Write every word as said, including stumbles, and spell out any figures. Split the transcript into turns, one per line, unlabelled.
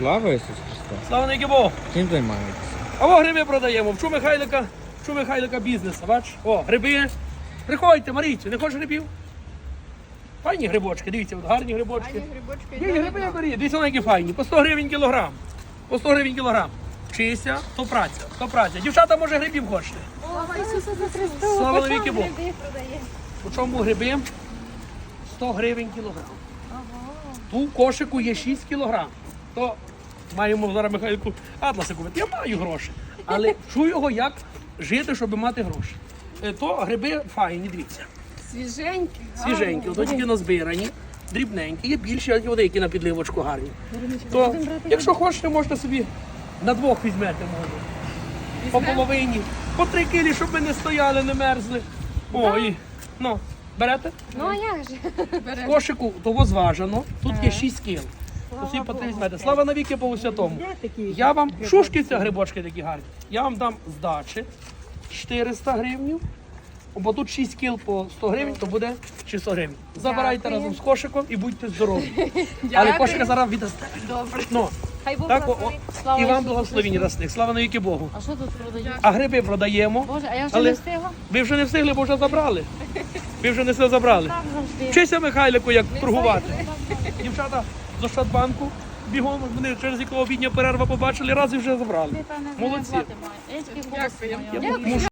Слава Ісусу Христу!
Слава навіки Богу!
Чим займаєтесь?
А во гриби продаємо. Вчу Михайлика, вчу Михайлика бізнес. Бач? О, гриби. Приходьте, Марійці, не хочеш грибів? Файні грибочки, дивіться, от гарні грибочки.
Ані грибочки.
Є гриби, бери, дивіться, вони які файні. По сто гривень кілограм. По сто гривень кілограм. Вчися, то праця, то праця. Дівчата, може, грибів хочете?
Слава Ісусу Христу.
Слава навіки Богу.
Гриби продає.
По чому гриби? сто гривень кілограм. Ту в кошику є шість кілограм. То маємо зараз Михайлику атласи купити. Я маю гроші. Але вчу його, як жити, щоб мати гроші. Е, То гриби файні, дивіться.
Свіженькі.
Свіженькі, ото тільки назбирані, дрібненькі, є більші, а є деякі на підливочку гарні. То, якщо хочете, можете собі на двох візьмете, може. По половині, по три кілі, щоб ми не стояли, не мерзли. О, і, ну, берете?
Ну а як же?
В кошику того зважено, тут є шість кіл. Усі по три візьмете. Слава навіки Богу Святому. Я вам, шушки ці грибочки такі гарні, я вам дам здачі чотириста гривнів, бо тут шість кіл по сто гривень, то буде шістсот гривень. Забирайте
Дякую.
разом з кошиком і будьте здорові. Але кошика зараз віддасте.
Добре.
Ну,
Хай Бог
так, о,
благословить.
о,
Слава
і вам
Ісусу
благословіння
Христу.
дасте. Слава навіки Богу.
А що тут продають?
А гриби продаємо.
Боже, а я вже
Але
не встигла?
ви вже не встигли, бо вже забрали. Ви вже не все забрали.
Так завжди.
Вчися Михайлику, як торгувати. Дівчата з Ощадбанку бігом, вони через якого обідня перерва побачили, раз і вже забрали.
Ти, певне,
Молодці.
зарплати маєш. Я тільки голос маю.
Я мушу